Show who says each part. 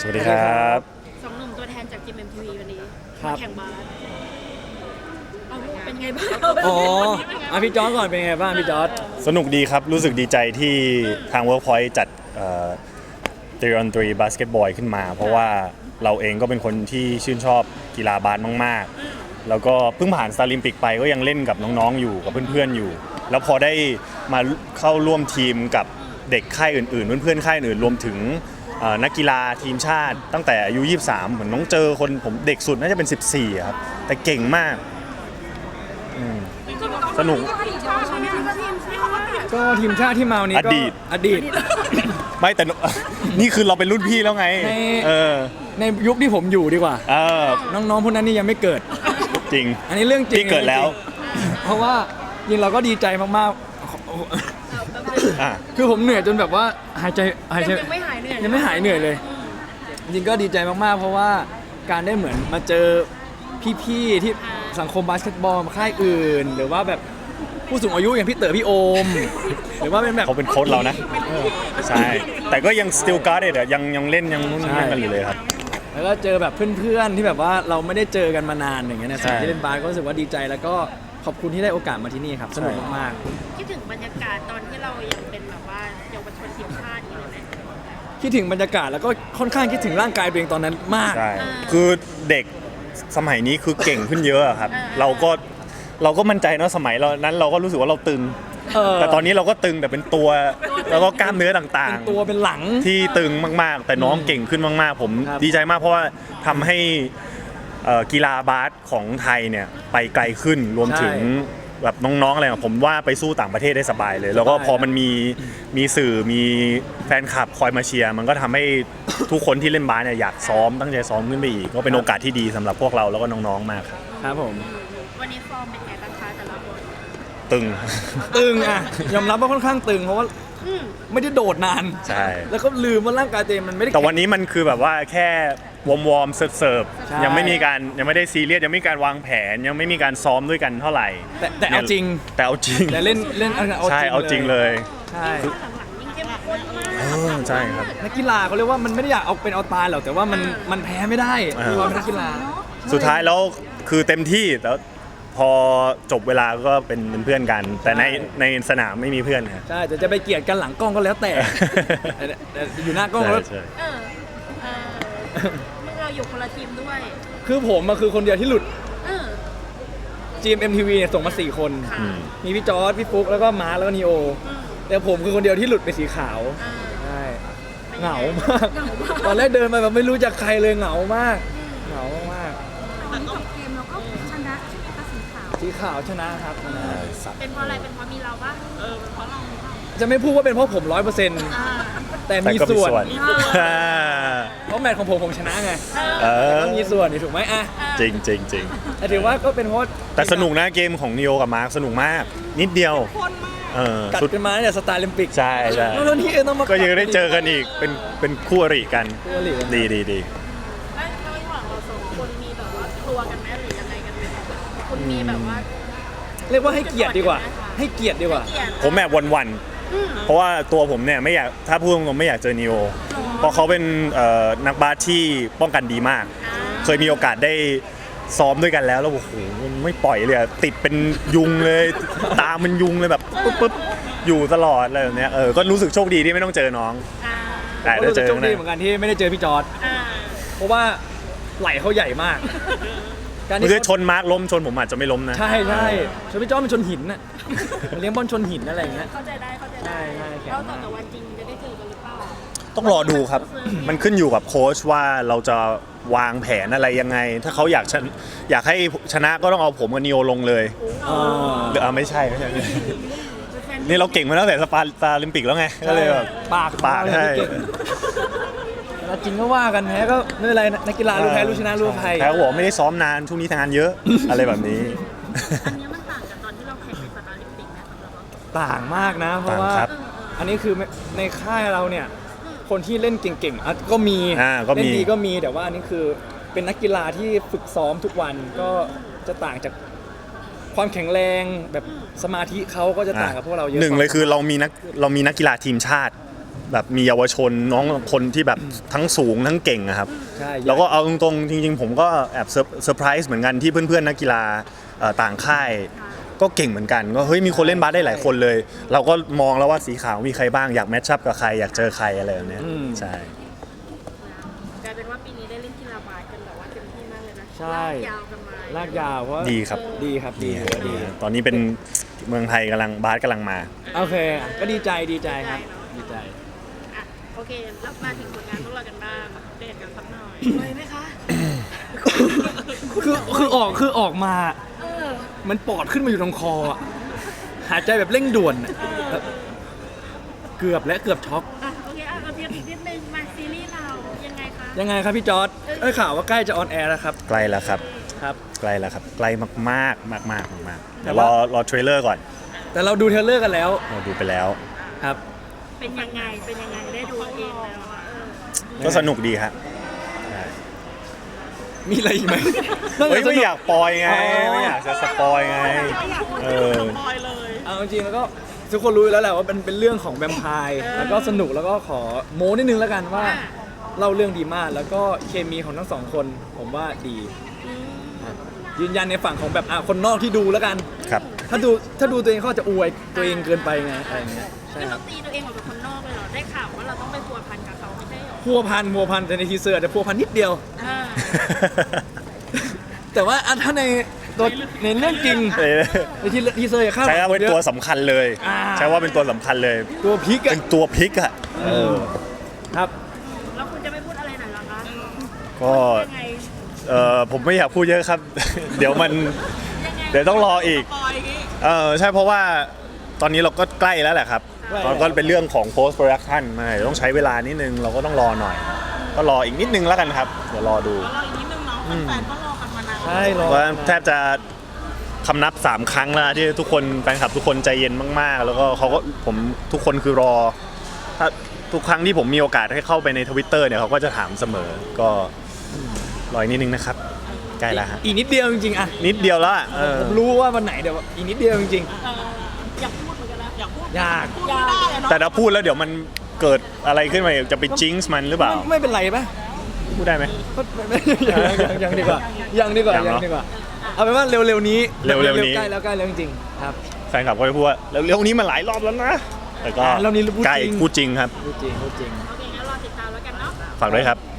Speaker 1: สวัสดีครับ
Speaker 2: สองหนุ่มตัวแทนจากจิม MTV วันนี้
Speaker 3: ครับ
Speaker 2: มาแข่งบาสเอาเป็นไงบ้าง
Speaker 3: อ๋อพี่จอร์จก่อนเป็นไงบ้างพี่จอร์จ
Speaker 1: สนุกดีครับรู้สึกดีใจที่ทาง Workpoint จัด3 on 3 บาสเกตบอลขึ้นมา เพราะว่าเราเองก็เป็นคนที่ชื่นชอบกีฬาบาสมากๆแล้วก็เพิ่งผ่านสตาร์ลิมปิกไปก็ยังเล่นกับน้องๆอยู่กับเพื่อนๆอยู่ แล้วพอได้มาเข้าร่วมทีมกับเด็กค่ายอื่นๆเพื่อนๆค่ายอื่นรวมถึงนักกีฬาทีมชาติตั้งแต่อายุ23เหมือนน้องเจอคนผมเด็กสุดน่าจะเป็น14ครับแต่เก่งมากสนุก
Speaker 3: ก็ทีมชาติที่มาวันนี้ก็
Speaker 1: อดีต
Speaker 3: อดีต
Speaker 1: ไม่แต่ นี่คือเราเป็นรุ่นพี่แล้วไง
Speaker 3: ใน
Speaker 1: ใน
Speaker 3: ยุคที่ผมอยู่ดีกว่า
Speaker 1: อ
Speaker 3: น้องๆพวกนั้นนี่ยังไม่เกิด
Speaker 1: จริง
Speaker 3: อันนี้เรื่องจริง
Speaker 1: พี่เกิดแล้ว
Speaker 3: เพราะว่าจริงเราก็ดีใจมาก
Speaker 1: อ่ะ
Speaker 3: ๆคือผมเหนื่อยจนแบบว่าหายใจ
Speaker 2: ยังไม่หายเหนื่อย
Speaker 3: ยังไม่หายเหนื่อยเลย จริงก็ดีใจมากๆเพราะว่าการได้เหมือนมาเจอพี่ๆที่สังคมบาสเกตบอลค่ายอื่น หรือว่าแบบผู้สูงอายุอย่างพี่เต๋อพี่โอม หรือว่าเป็นแบบ
Speaker 1: เขาเป็นโค้ชเรานะใช่แต่ก็ยัง still guard อะยังเล่นยังนู่นนี่กันอยู่เลยครับ
Speaker 3: แล้วก็เจอแบบเพื่อนๆที่แบบว่าเราไม่ได้เจอกันมานานอย่างเงี้ยนะ
Speaker 1: ใช่
Speaker 3: ที่เล่นบาสก็รู้สึกว่าดีใจแล้วก็ขอบคุณที่ได้โอกาสมาที่นี่ครับสนุกมาก
Speaker 2: คิดถึงบรรยากาศตอนที่เรายังเป็นแบบว่าเยาวชนทีมชาติอยู่เลยไหม
Speaker 3: ๆคิดถึงบรรยากาศแล้วก็ค่อนข้างคิดถึงร่างกายตัวเองตอนนั้นมาก
Speaker 1: ใช่คือเด็กสมัยนี้คือเก่งขึ้นเยอะอะครับ เราก็มั่นใจเนอะสมัยเรานั้นเราก็รู้สึกว่าเราตึง แต่ตอนนี้เราก็ตึงแต่เป็นตัวแล้วก็กล้ามเนื้อต่าง
Speaker 3: เป็นตัวเป็นหลัง
Speaker 1: ๆ ที่ตึงมากๆ แต่น้องเก่งขึ้นมากๆ ผม
Speaker 3: ครับ
Speaker 1: ดีใจมากเพราะว่าทำให้กีฬาบาสของไทยเนี่ยไปไกลขึ้นรวมถึงแบบน้องๆอะไรอะผมว่าไปสู้ต่างประเทศได้สบายเลย แล้วก็พอมันมีสื่อมีแฟนคลับคอยมาเชียร์มันก็ทำให้ทุกคนที่เล่นบาสเนี่ยอยากซ้อมตั้งใจซ้อมขึ้นไปอีกก็เป็นโอกาสที่ดีสำหรับพวกเราแล้วก็น้องๆมากครับ
Speaker 3: ครับผม
Speaker 2: วันนี้ฟอร์มเป็นไงบ้างคะแต่ละคน
Speaker 1: ตึง
Speaker 3: ตึงอ่ะยอมรับว่าค่อนข้างตึงเพราะว่า
Speaker 2: อืม
Speaker 3: ไม่ได้โดดนาน
Speaker 1: ใช่
Speaker 3: แล้วก็ลืมว่าร่างกายตัวเองมันไม่ได้
Speaker 1: แต่วันนี้มันคือแบบว่าแค่วอร์มเสิร์ฟ
Speaker 3: ใช่
Speaker 1: ยังไม่ได้ซีเรียสยังไม่มีการวางแผนยังไม่มีการซ้อมด้วยกันเท่าไหร่
Speaker 3: แต่เอาจริง
Speaker 1: แต่เอาจริง
Speaker 3: แต่เล่นเอา
Speaker 1: ใช่เอาจริงเลย
Speaker 3: ใช่
Speaker 2: หลังๆยิ่งเข้มข้นมาก
Speaker 1: ใช่ครับ
Speaker 3: นักกีฬาเขาเรียกว่ามันไม่ได้อยากเอาเป็นเอาตายหรอกแต่ว่ามันแพ้ไม่ได้คือเราเป็นนักกีฬา
Speaker 1: สุดท้ายแล้วคือเต็มที่แต่พอจบเวลาก็เป็นเพื่อนกัน แต่ในสนามไม่มีเพื่อนครับ
Speaker 3: ใช่แต่จะไปเกลียดกันหลังกล้องก็แล้วแต่ แต่อยู่หน้ากล้องแล้ว
Speaker 1: ใช่
Speaker 2: เออเมื่อเราอยู่คนละทีมด้วย
Speaker 3: คือผมมาคือคนเดียวที่หลุด
Speaker 2: เออ
Speaker 3: GMMTV เนี่ยส่งมา4 คน
Speaker 2: ค่ะ
Speaker 3: มีพี่จอร์จพี่ฟุ๊กแล้วก็มาร์คแล้วก็นีโอ แต่ผมคือคนเดียวที่หลุดไปสีขาว
Speaker 2: อ่า
Speaker 3: ใช่
Speaker 2: เป็นไง
Speaker 3: เหงามาก
Speaker 2: เหงามาก
Speaker 3: ตอนแรกเดินไปแบบไม่รู้จักใครเลยเหงามาก เหงามาก
Speaker 4: วันนี้จบเกมเราก็ชนะใช่ไหมคะสีขาว
Speaker 3: สีขาวชนะครับชนะ
Speaker 2: เป็นเพราะอะไรเป็นเพราะมีเราปะเป็นเพราะเราหรือเปล่า
Speaker 3: จะไม่พูดว่าเป็นเพราะผม 100%
Speaker 2: อ่า
Speaker 3: แต่
Speaker 1: แต่
Speaker 3: มี
Speaker 1: ก็มี
Speaker 3: ส่วน
Speaker 1: ส่วน
Speaker 3: เพราะแมตช์ของผมชนะไง
Speaker 1: เออ
Speaker 3: ก็มีส่วนนี่ถูกไหมอ่ะ
Speaker 1: จริงจริงจริง
Speaker 3: แต่ถือว่าก็เป็นเพราะ
Speaker 1: แต่สนุกนะเกมของนิโอกับมาร์คสนุกมาก นิดเดียว
Speaker 3: กัด
Speaker 1: สุด
Speaker 3: กันมาเนี่ยสตาร์ลิมปิก
Speaker 1: ใช่ใช่
Speaker 3: แล้วนี่ต้องมา
Speaker 1: ก็ยังได้เจอกันอีกเป็นคู่อริกัน
Speaker 3: คู่อริกัน
Speaker 1: ดี
Speaker 2: แล้วระหว่างเราสองคนมีแบบว่าตัวกันไหมหรือยังไงกันไหมคุณมีแบบว่า
Speaker 3: เรียกว่าให้เกียรติดีกว่า ให้เกียรติดีกว่า
Speaker 2: เกลียด
Speaker 1: ผมแอบวันๆเพราะว่าตัวผมเนี่ยไม่อยากถ้าพูดตรงๆไม่อยากเจอนิโอเพราะเขาเป็นนักบาสที่ป้องกันดีมาก เคยมีโอกาสได้ซ้อมด้วยกันแล้วโอ้โหมันไม่ปล่อยเลยอะติดเป็นยุงเลย ตามันยุงเลยแบบปุ๊บอยู่ตลอดอะไรแบบเนี้ยก็รู้สึกโชคดีที่ไม่ต้องเจอน้อง
Speaker 2: อ่า
Speaker 1: แต่
Speaker 3: ก็
Speaker 1: ได้
Speaker 3: รู้
Speaker 1: เจ
Speaker 3: สึก
Speaker 1: อ
Speaker 3: โชคดี
Speaker 1: นะ
Speaker 3: เหมือนกันที่ไม่ได้เจอพี่จอร์ด
Speaker 2: อ่า
Speaker 3: เพราะว่าไหลเขาใหญ่มาก การ
Speaker 1: เมื่
Speaker 3: ที่
Speaker 1: อชนมาร์คล้มชนผมอาจจะไม่ล้มนะ
Speaker 3: ใช่ชนพี่จอร์ดมันชนหินน่ะเลี้ยงบอลชนหินอะไรอย่างเงี้ย
Speaker 2: เข้าใจได้
Speaker 3: ใช่
Speaker 2: เข้าใจได้
Speaker 3: แข็ง
Speaker 2: แล้ว
Speaker 3: มาก
Speaker 2: แต่วันจริงจะได้เจอกันหรือเปล่า
Speaker 1: ต้องรอดูครับ มันขึ้นอยู่กับโค้ชว่าเราจะวางแผนอะไรยังไง ถ้าเขาอยากให้ชนะก็ต้องเอาผมกับนิโอลงเลย
Speaker 3: อ่า
Speaker 1: หรือไม่ใช่ นี่เราเก่งมาตั้งแต่สปาลิมปิกแล้วไงก็เลยแบบ
Speaker 3: ปาก
Speaker 1: ใช่
Speaker 3: เก่งแล้วจริงก็ว่ากันแพ้ก็ไม่เป็นไรนักกีฬารู้แพ้รู้ชนะรู้อภัย
Speaker 1: แพ้ก็บอกไม่ได้ซ้อมนานช่วงนี้ทำงานเยอะ อะไรแบบนี้
Speaker 2: อันนี้มันต่างกับตอนที่เราแข่งในสตาร์ลิมปิกนะสำหรับเรา
Speaker 3: ต่างมากนะ เพราะว่า
Speaker 1: ต่างครับ
Speaker 3: อันนี้คือในค่ายเราเนี่ย คนที่เล่นเก่งๆอ่ะก็มี
Speaker 1: ก็มี
Speaker 3: เล่นดีก็มีแต่ว่าอันนี้คือเป็นนักกีฬาที่ฝึกซ้อมทุกวันก็จะต่างจากความแข็งแรงแบบสมาธิเขาก็จะต่างกับพวกเราเยอะ
Speaker 1: หนึ่งเลยคือเรามีนักกีฬาทีมชาติแบบมีเยาวชนน้องคนที่แบบทั้งสูงทั้งเก่งอะครับ
Speaker 3: ใช่
Speaker 1: แล้วก็เอาตรงๆจริงๆผมก็แอบเซอร์ไพรส์เหมือนกันที่เพื่อนๆนักกีฬาต่างค่ายก็เก่งเหมือนกันก็เฮ้ยมีคนเล่นบาสได้หลายคนเลย เราก็มองแล้วว่าสีขาวมีใครบ้างอยากแมทชัพกับใครอยากเจอใครอะไรแบบเนี้ยใช่
Speaker 2: กลายเป็นว่าปีนี้ได้เล่นกีฬาบาสกันแบบว่าเต็มที่มากเลยนะ
Speaker 3: ใช่
Speaker 2: ลากยาวกันมา
Speaker 3: ลากยาวเพราะ
Speaker 1: ดีครับ
Speaker 3: ดีครับดี
Speaker 1: ดีตอนนี้เป็นเมืองไทยบาสกำลังมา
Speaker 3: โอเค ก็ดีใจครับดีใจ
Speaker 2: อ่ะโอเคแล้วมาถึงผลงานพวกเรากันบ้างเดทกันสักหน่อยเลยไหมคะ
Speaker 3: คือออกมา
Speaker 2: เออ
Speaker 3: มันปอดขึ้นมาอยู่ตรงคออะหายใจแบบเร่งด่วนอะแบบเกือบช็อก
Speaker 2: อ่ะโอเคอ่ะเอาเทียบอีกนิดนึงมาซีรีส์เรายังไงคะ
Speaker 3: ยังไงครับพี่จอร์ดข่าวว่าใกล้จะออนแอร์แล้วครับ
Speaker 1: ใกล้แล้วครับ
Speaker 3: ครับ
Speaker 1: ใกล้แล้วครับใกล้มากๆมากๆ
Speaker 3: แต่
Speaker 1: เดี๋ยว
Speaker 3: ว่า
Speaker 1: รอเทรลเลอร์ก่อน
Speaker 3: แต่เราดูเทรลเลอร์กันแล้ว
Speaker 1: เราดูไปแล้ว
Speaker 3: ครับ
Speaker 2: เป็นยังไงได้ดูเองแล้วอ่ะเออ
Speaker 1: ก็สนุกดีครับ
Speaker 3: มีอะไรอีกไหม
Speaker 1: เฮ้ยไม่อยากปอยไงไม่อยากจะสปอยไง
Speaker 2: ไม่อยากพูด
Speaker 1: เอ
Speaker 2: ถึง
Speaker 1: อ
Speaker 2: สปอยเลย
Speaker 3: เอาจริงๆแล้วก็ทุกคนรู้อยู่แล้วแหละว่าเป็นเรื่องของแวมไพร์แล้วก็สนุกแล้วก็ขอโม้นิดนึงแล้วกันว่าเล่าเรื่องดีมากแล้วก็เคมีของทั้งสองคนผมว่าดีครับยืนยันในฝั่งของแบบคนนอกที่ดูแล้วกัน
Speaker 1: ครับ
Speaker 3: ถ้าดูตัวเองเขาอาจจะอวยตัวเองเกินไปไงอะไรอย่างเงี้ยใช่
Speaker 2: คือ
Speaker 3: ครั
Speaker 2: เรา
Speaker 3: บ
Speaker 2: ตีตัวเองออกจากคนนอกเลยเหรอได้ข่าวว่าเราต้องไปพัวพันกับเขาไม่ใช่เหรอ
Speaker 3: พัวพันแต่ในทีเซอร์อาจจะพัวพันนิดเดียว
Speaker 2: อ่า
Speaker 3: แต่ว่าถ้าในตัวในเรื่องจริงในทีเซอร์อย่าคาดห
Speaker 1: ใช้
Speaker 3: วัง
Speaker 1: ว่าเป็นตัวสำคัญเลย
Speaker 3: อ่า
Speaker 1: ใช้ว่าเป็นตัวสำคัญเลย
Speaker 3: ตัวพลิกอะ
Speaker 1: เป็นตัวพลิกอะ
Speaker 3: ครับ
Speaker 2: แล้วคุณจะไม่พูดอะไรหน่อยเหรอคะ
Speaker 1: ก็
Speaker 2: ยังไง
Speaker 1: ผมไม่อยากพูดเยอะครับ เดี๋ยวมัน
Speaker 2: ยังไง
Speaker 1: เดี๋ยวต้องรออีก
Speaker 2: สปอยอย่างงี้
Speaker 1: ใช่เพราะว่าตอนนี้เราก็ใกล้แล้วแหละครับ
Speaker 3: ใกล้แล้ว
Speaker 1: ก็เป็นเรื่องของ post production มาเดี๋ยวต้องใช้เวลานิดนึงเราก็ต้องรอหน่อย ก็รออีกนิดนึงแล้วกันครับเดี๋ยวรอดู
Speaker 2: แล้วเราอีกนิดนึงเนาะแฟนๆก็รอกันมานาน
Speaker 3: ใช่รอ
Speaker 1: ว่าแทบจะคำนับ3 ครั้งแล้วที่ทุกคนแฟนคลับทุกคนใจเย็นมากๆ แล้วก็เขาก็ผมทุกคนคือรอถ้าทุกครั้งที่ผมมีโอกาสให้เข้าไปใน Twitter เนี่ยเขาก็จะถามเสมอก็รออีกนิดนึงนะครับใกล้แล้วฮะ
Speaker 3: อีกนิดเดียวจริงๆอะ
Speaker 1: นิดเดียวแล้วอะ
Speaker 3: ผมรู้ว่าวันไหนเดี๋ยวอีกนิดเดียวจริง
Speaker 2: เอออยากพูดเหมือนกันนะอยากพูด
Speaker 3: ๆยาก
Speaker 2: พูดไม่ได้อะเนาะ
Speaker 1: แต่ถ้าพูดแล้วเดี๋ยวมันเกิดอะไรขึ้นมาจะไปจิงส์มันหรือเปล่า
Speaker 3: ไม่เป็นไรปะ
Speaker 1: พูดได้ไหม
Speaker 3: ยังดีกว่ายังดีกว่า
Speaker 1: ยังเนอะ
Speaker 3: ยังดีกว่าเอาเป็นว่าเร็วๆนี้
Speaker 1: เร็วๆนี้
Speaker 3: ใกล้แล้วจริงๆครับ
Speaker 1: แฟนคลับก็จะพูดว่าเร็วๆนี้มาหลายรอบแล้วนะแต่ก็
Speaker 3: รอบนี้พูดจริง
Speaker 1: ใกล้พูดจริงครับ
Speaker 3: พูดจริง
Speaker 2: โอเคงั้นรอติดตามแล้วกันเนาะ
Speaker 1: ฝากด้วยครับ